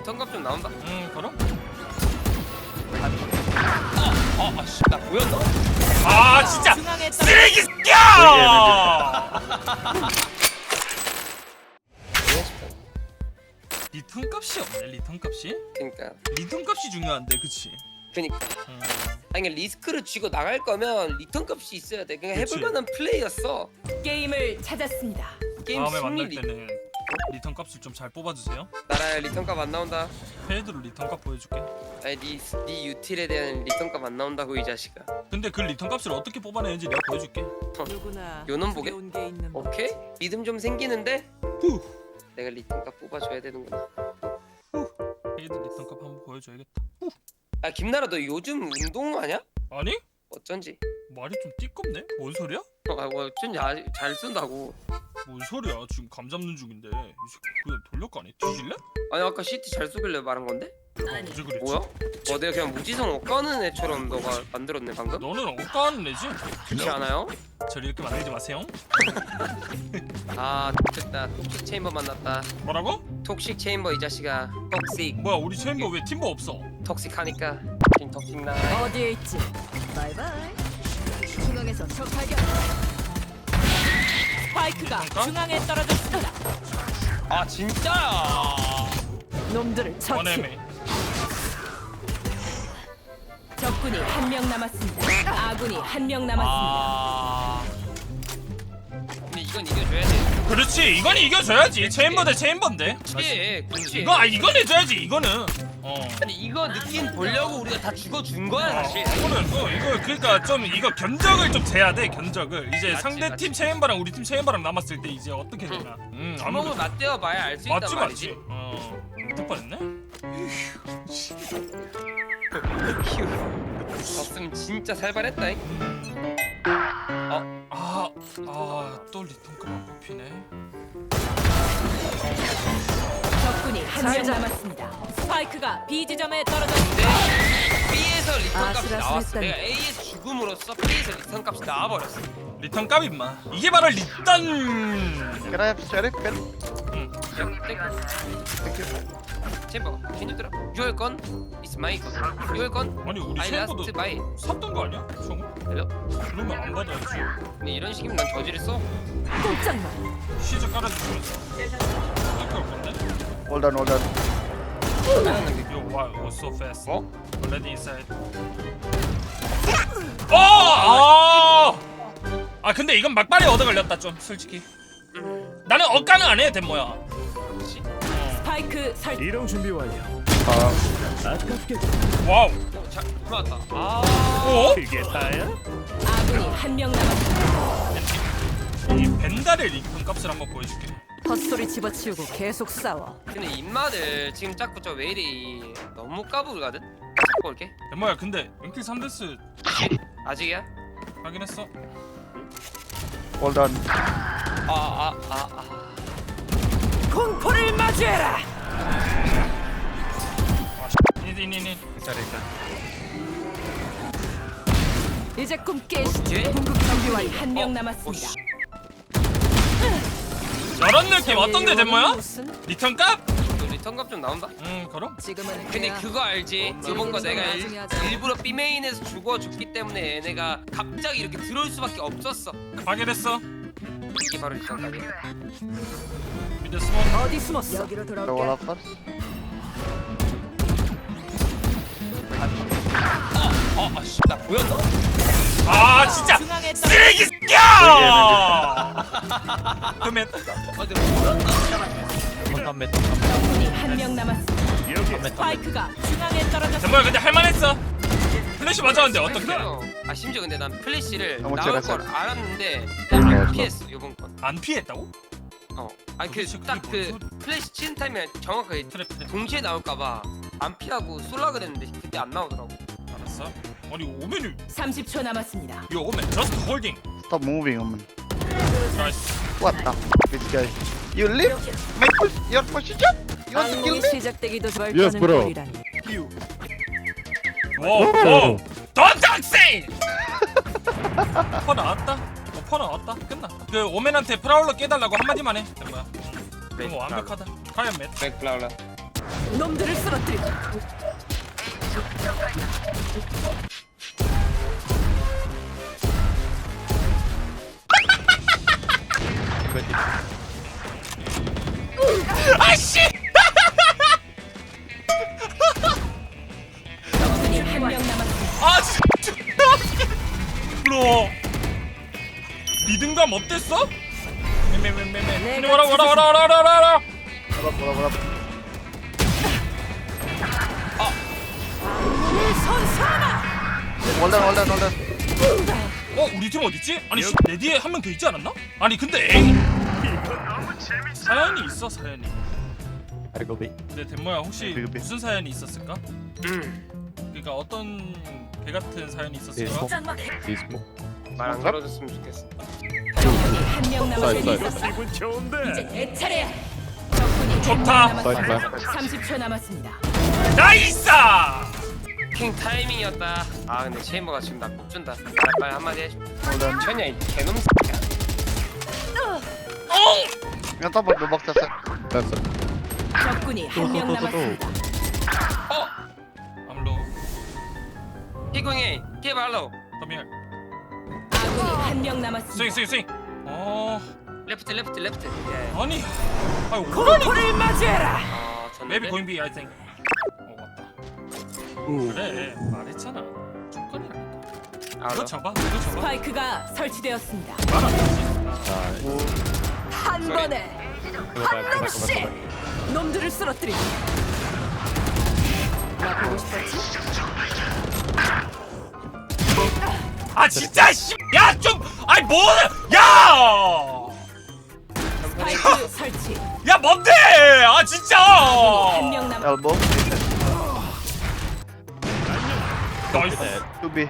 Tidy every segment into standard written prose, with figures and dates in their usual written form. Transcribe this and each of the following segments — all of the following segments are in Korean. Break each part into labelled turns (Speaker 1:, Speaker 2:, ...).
Speaker 1: 리턴값 좀 나온다.
Speaker 2: 그럼?
Speaker 1: 아씨 나 보였나?
Speaker 2: 아 진짜
Speaker 3: 중앙에
Speaker 2: 쓰레기 새끼야! 리턴 값이 없네. 리턴 값이?
Speaker 1: 그니까
Speaker 2: 리턴 값이 중요한데, 그치?
Speaker 1: 그니까 아니 그러니까 리스크를 쥐고 나갈 거면 리턴값이 있어야 돼. 그냥
Speaker 2: 그치.
Speaker 1: 해볼 만한 플레이였어.
Speaker 3: 게임을 찾았습니다.
Speaker 1: 게임
Speaker 2: 다음에
Speaker 1: 승리
Speaker 2: 만날 때는 리턴 값을 좀 잘 뽑아주세요.
Speaker 1: 나라야 리턴값 안 나온다.
Speaker 2: 페이드로 리턴 값 보여줄게.
Speaker 1: 아니 네 유틸에 대한 리턴값 안 나온다고 이 자식아.
Speaker 2: 근데 그 리턴 값을 어떻게 뽑아내는지 내가 보여줄게.
Speaker 3: 누구나
Speaker 1: 요놈 보게?
Speaker 3: 두려운 게 있는 법.
Speaker 1: 오케이? 믿음 좀 생기는데?
Speaker 2: 후.
Speaker 1: 내가 리턴값 뽑아줘야 되는구나.
Speaker 2: 페이드 리턴 값 한번 보여줘야겠다.
Speaker 1: 아 김나라 너 요즘 운동하냐?
Speaker 2: 아니?
Speaker 1: 어쩐지.
Speaker 2: 말이 좀 띠껍네? 뭔 소리야?
Speaker 1: 어쩐지 잘 쓴다고.
Speaker 2: 뭔 소리야? 지금 감 잡는 중인데 이 새끼 그냥 돌려가네. 뒤질래?
Speaker 1: 아니 아까 CT 잘 쏘길래 말한 건데?
Speaker 2: 언제 그랬지?
Speaker 1: 뭐야? 내가 그냥 무지성 엇가는 애처럼 너가 만들었네 방금?
Speaker 2: 너는 억까는 애지?
Speaker 1: 그렇지 않아요?
Speaker 2: 저를 이렇게 만들지 마세요.
Speaker 1: 아 됐다. 톡식 체인버 만났다.
Speaker 2: 뭐라고?
Speaker 1: 톡식 체인버 이 자식아. 톡식.
Speaker 2: 뭐야 우리 챔버 왜 팀버 없어?
Speaker 1: 톡식하니까 지금 톡식 나.
Speaker 3: 어디에 있지? 바이바이. 중앙에서 적 발견. 스파이크가
Speaker 2: 잠깐?
Speaker 3: 중앙에 떨어졌습니다.
Speaker 1: 아 진짜야.
Speaker 3: 놈들을 처치.
Speaker 2: 원해매.
Speaker 3: 적군이 한 명 남았습니다. 아군이 한 명 남았습니다.
Speaker 1: 근데 이건 이겨줘야 돼.
Speaker 2: 그렇지 이건 이겨줘야지. 챔버 대 챔버인데.
Speaker 1: 그렇지.
Speaker 2: 이건 해줘야지 이거는.
Speaker 1: 아니 이거 느낌 보려고 우리가 다 죽어준 거야 사실.
Speaker 2: 이거는 이거 그러니까 좀 이거 견적을 좀 재야 돼 견적을. 이제
Speaker 1: 맞지,
Speaker 2: 상대
Speaker 1: 맞지.
Speaker 2: 팀 챔버랑 우리 팀 챔버랑 남았을 때 이제 어떻게 되나.
Speaker 1: 주먹을 맞대어 봐야 알 수 있단
Speaker 2: 맞지
Speaker 1: 말이지.
Speaker 2: 맞지. 될 뻔했네.
Speaker 1: 휴. 졌으면 진짜 살벌했다잉.
Speaker 2: 또 리턴급 안 뽑히네.
Speaker 3: 적군이 한 명 남았습니다. 스파이크가 B 지점에 떨어졌습니다.
Speaker 1: B에서 리턴 값이 나왔어.
Speaker 3: 아슬아슬했다니.
Speaker 1: 내가 A에서 죽음으로써 B에서 리턴 값이 나와버렸어.
Speaker 2: 리턴 값 임마. 이게 바로 리턴.
Speaker 4: Can I have sheriff pen?
Speaker 2: 응.
Speaker 4: Thank you.
Speaker 1: 챔버, can you 들어? Your gun is my gun. Your gun,
Speaker 2: 아니 우리
Speaker 1: I
Speaker 2: 챔버도
Speaker 1: lost my.
Speaker 2: 샀던 거 아니야? 총?
Speaker 1: 들려?
Speaker 2: 그러면 안 받아야지.
Speaker 1: 근데 이런 식이면 난 저지랬어.
Speaker 3: 꼼짝마.
Speaker 2: 시즈 깔아주면서. 이거 건데?
Speaker 4: Hold on, hold on.
Speaker 2: Yo, wow, it was so fast.
Speaker 1: 어?
Speaker 2: Already inside. 근데 이건 막발에 얻어 걸렸다 좀 솔직히. 나는 억까는 안 해, 덴모야.
Speaker 1: 그렇지.
Speaker 3: 스파이크 설.
Speaker 5: 이동 준비 완료. 아깝게
Speaker 2: 와우.
Speaker 1: 잘 들어왔다.
Speaker 2: 어?
Speaker 5: 그게 다야?
Speaker 3: 아군이 한 명 남았습니다.
Speaker 2: 이 벤달의 리턴 값을 한번 보여줄게.
Speaker 3: 헛소리 집어치우고 계속 싸워.
Speaker 1: 근데 입맛을 지금 자꾸 저 웨일이 너무 까불거든. 잡고 올게.
Speaker 2: 덴모야, 근데 랭킬 3데스
Speaker 1: 아직이야?
Speaker 2: 확인했어?
Speaker 4: Hold on.
Speaker 3: 공포를 맞이해라.
Speaker 2: 니니니니.
Speaker 3: 이제 꿈 깨시지.
Speaker 1: 예?
Speaker 3: 궁극 정비완 한 명 남았습니다.
Speaker 2: 이런 느낌 어떤데, 덴모야?
Speaker 3: 무슨?
Speaker 2: 리턴 값?
Speaker 1: 너 리턴 값 좀 나온다?
Speaker 2: 그럼?
Speaker 3: 지금은
Speaker 1: 근데
Speaker 3: 그냥
Speaker 1: 그거 알지? 이번 거 내가
Speaker 3: 나중에 하자.
Speaker 1: 일부러 B메인에서 죽어줬기 때문에 얘네가 갑자기 이렇게 들어올 수밖에 없었어.
Speaker 2: 확인했어.
Speaker 1: 이게 바로 리턴 값이야.
Speaker 2: 미드 스모크.
Speaker 3: 어디 숨었어? 여기로
Speaker 4: The wall
Speaker 3: 돌아올게.
Speaker 4: up first.
Speaker 1: 나 보였나?
Speaker 2: 진짜
Speaker 3: 중앙에
Speaker 2: 쓰레기 새끼야! 그러면
Speaker 3: 적군이 한 명 남았습니다.
Speaker 5: 여기
Speaker 3: 스파이크가 중앙에 떨어졌습니다.
Speaker 2: 덴모야, 근데 할만했어. 플래시 맞았는데 어떡해?
Speaker 1: 그럼. 심지어 근데 난 플래시를
Speaker 4: 너무
Speaker 1: 나올
Speaker 4: 잘했어.
Speaker 1: 걸 알았는데 안 피했어 이번 건.
Speaker 2: 안 피했다고?
Speaker 1: 아니
Speaker 2: 도대체
Speaker 1: 그 딱
Speaker 2: 그게
Speaker 1: 그
Speaker 2: 뭔
Speaker 1: 플래시 치는 타이밍에 정확하게
Speaker 2: 트랩.
Speaker 1: 동시에 나올까봐 안 피하고 쏠라 그랬는데 그때 안 나오더라고.
Speaker 2: 알았어. 아니 오면이
Speaker 3: 30초 남았습니다.
Speaker 2: 요 오면 just holding.
Speaker 4: Stop moving, woman.
Speaker 2: 나이스.
Speaker 4: What the? This guy. You leave my your position? You want to kill
Speaker 3: 악몽이
Speaker 4: me?
Speaker 3: 시작되기도 절
Speaker 5: Yes,
Speaker 3: 거는
Speaker 5: bro.
Speaker 3: 꼴이라니.
Speaker 2: 오. Don't talk say. 퍼 나왔다. 퍼 나왔다. 끝났다. 그 오맨한테 프라울러 깨달라고 한마디만 해. 된 거야. 그럼 완벽하다. 과연 맷.
Speaker 1: 백플라울라.
Speaker 3: 놈들을 쓰러뜨리고.
Speaker 2: 아씨!
Speaker 3: 적군이 한 명 남았습니다.
Speaker 2: 아 진짜 로 리듬감 어땠어? 메메메메메 와라 와라 와라 와라 와라 와라
Speaker 4: 뭐라.
Speaker 3: 선사나.
Speaker 4: 홀டன்.
Speaker 2: 우리 팀 어딨지? 아니 내 뒤에 한 명 더 있지 않았나? 아니 근데 에이 사연이 있어 사연이
Speaker 5: 알고 비.
Speaker 2: 근데 덴모야 혹시
Speaker 4: 그게
Speaker 2: 무슨 사연이 있었을까? 그러니까 어떤 개 같은 사연이 있었을까?
Speaker 5: 비스모.
Speaker 1: 말 안 걸어줬으면 좋겠어.
Speaker 3: 적군이 한 명 남았습니다.
Speaker 5: 사이드.
Speaker 6: 기분 좋은데.
Speaker 3: 이제 내 차례야. 적군이
Speaker 2: 좋다.
Speaker 3: 한 명
Speaker 5: 사이드.
Speaker 3: 남았습니다. 30초 남았습니다.
Speaker 2: 나이스!
Speaker 1: 킹 타이밍이었다. 아 근데 체인버가 지금 나 꼽준다. 빨리 한마디 해줘.
Speaker 4: 홀டன்.
Speaker 1: 천이야 이 개놈 새끼야.
Speaker 4: Yang top the box set.
Speaker 5: That's it.
Speaker 3: 적군이 한 명 남았습니다.
Speaker 2: 암로
Speaker 1: 피공이 케발로
Speaker 2: 더미얼
Speaker 3: 아군이 한 명 남았습니다.
Speaker 2: 스윙
Speaker 1: 레프트. 예.
Speaker 2: 아니 아유 오라니
Speaker 3: 불을 맞이해라.
Speaker 2: maybe going B I think 맞다 그래 말했잖아 조건이라니까 이거 잡아
Speaker 3: 스파이크가 설치되었습니다. 한
Speaker 1: 소리.
Speaker 3: 번에 한 놈씩 놈들을 쓰러뜨리고. 나 보고 싶었지?
Speaker 2: 아 진짜 씨야좀 아니 뭐야
Speaker 3: 스파이크 설치.
Speaker 2: 야 뭔데 아 진짜
Speaker 3: 한 명 남.
Speaker 4: Elbow.
Speaker 2: 나이스
Speaker 4: 2B.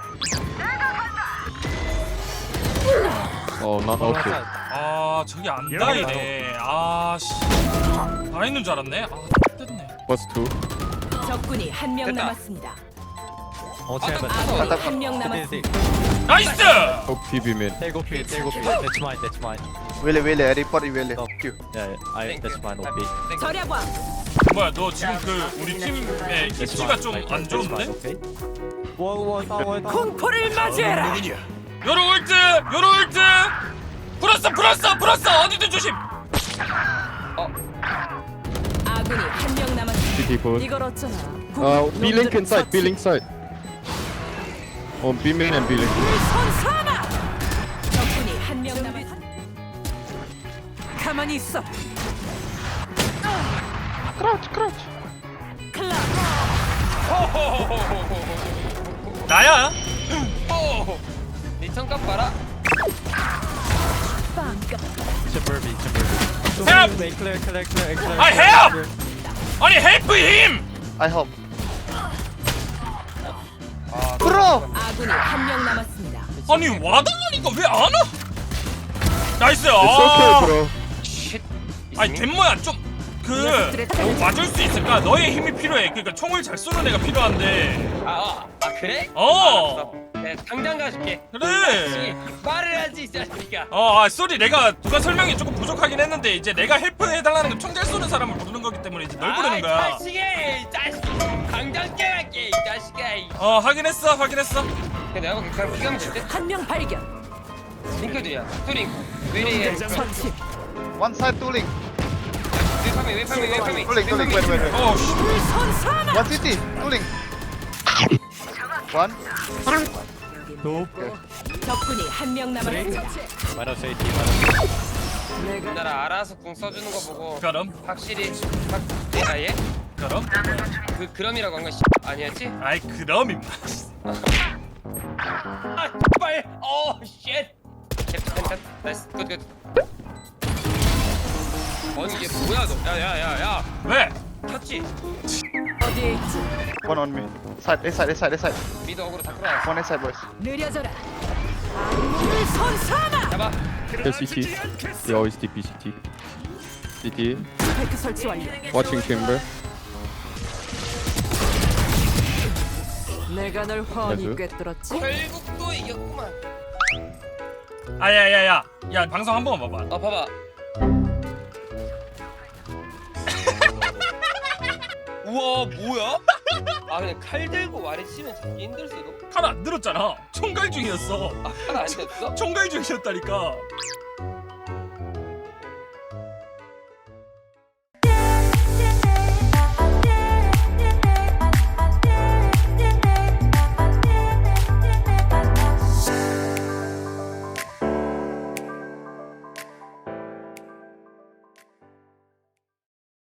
Speaker 5: Oh, not okay.
Speaker 2: 아 저기 안 다이네 아씨 다 있는 줄 알았네 아 됐네
Speaker 5: What's two?
Speaker 3: 적군이 한 명
Speaker 1: 됐다.
Speaker 3: 남았습니다.
Speaker 6: 어, 제발.
Speaker 3: 아군이 한 명 남았습니다.
Speaker 2: 나이스
Speaker 5: Oh, PB mid.
Speaker 6: Take off it, take off it. That's mine, that's mine.
Speaker 4: Willy. Report Willy. Q.
Speaker 6: Yeah, that's mine. OP.
Speaker 3: 절약왕.
Speaker 2: 뭐야 너 지금 그 우리 팀의 입지가 좀 안 좋은데?
Speaker 6: Okay. One.
Speaker 3: 공포를 맞이해라.
Speaker 2: 요로 울트 불었어 어디든 조심
Speaker 3: 아군이 한 명 남았습니다.
Speaker 5: CT forward.
Speaker 3: 이걸 어쩌나.
Speaker 5: B link inside. B link side. Oh, B main and B link.
Speaker 3: 선사나. 적군이 한 명 남았습니다. 가만히 있어.
Speaker 4: Crouch.
Speaker 3: 클럽.
Speaker 2: 나야
Speaker 1: 리턴값 봐라.
Speaker 3: 빵까.
Speaker 6: Suburban.
Speaker 2: Help!
Speaker 6: Clear.
Speaker 2: I help! 아니 헬프 힘
Speaker 4: I help. Bro.
Speaker 3: 아군이 한 명 남았습니다.
Speaker 2: 아니 와달라니까 왜 안 와? 나이스
Speaker 5: It's okay, bro.
Speaker 1: 쉿.
Speaker 2: 아니 덴모야 좀 맞을 수 있을까? 너의 힘이 필요해 그러니까 총을 잘 쏘는 애가 필요한데
Speaker 1: 아 그래?
Speaker 2: 어
Speaker 1: 네, 당장 가줄게.
Speaker 2: 그래
Speaker 1: 말을 하지 이 자식아.
Speaker 2: 쏘리 내가 누가 설명이 조금 부족하긴 했는데 이제 내가 헬프 해달라는 건 총 잘 쏘는 사람을 부르는 거기 때문에 이제 널 부르는 거야
Speaker 1: 자식이 자식. 당장 깨갈게 이 자식아.
Speaker 2: 확인했어
Speaker 1: 근데 내가 보기 그냥 비가면 줄게.
Speaker 3: 한 명 발견.
Speaker 1: 링크들이야. 투링. 위리에.
Speaker 3: 처치.
Speaker 4: One side 2 link.
Speaker 1: 웨이파미.
Speaker 4: 2 link. Wait.
Speaker 2: 어씨
Speaker 3: 선사나.
Speaker 4: One city. 2 link. One.
Speaker 3: 적군이 한 명 남았습니다.
Speaker 6: Minus 80.
Speaker 3: 내가
Speaker 1: 나라 알아서 궁 써주는 거 보고
Speaker 2: 그럼
Speaker 1: 확실히 예?
Speaker 2: 그럼
Speaker 1: 그럼이라고 한 건 아니었지?
Speaker 2: 아이 그럼 임마
Speaker 1: 아 빨. 쉣. 캡틴. 나이스. 굿. 아니 이게 뭐야 너? 야야야야.
Speaker 2: 왜?
Speaker 1: 켰지?
Speaker 3: 어디에 있지?
Speaker 4: One on me. A side.
Speaker 1: 미드 어그로 다 끌어왔어.
Speaker 4: One A side, boys.
Speaker 3: 느려져라. 아군을 선사나.
Speaker 1: 잡아.
Speaker 5: There's CT. They always TP CT. CT.
Speaker 3: 스파이크 설치 완료.
Speaker 5: Watching chamber.
Speaker 3: 내가 널 훤히
Speaker 5: 맞아요?
Speaker 3: 꿰뚫었지.
Speaker 1: 결국 또 이겼구만.
Speaker 2: 야야야야 야 방송 한 번만 봐봐
Speaker 1: 봐봐. 우와 뭐야? 아 근데 칼 들고 와리 치면 잡기 힘들 수도.
Speaker 2: 칼 안 들었잖아. 총갈 중이었어.
Speaker 1: 아칼안 됐어?
Speaker 2: 총갈 중이었다니까.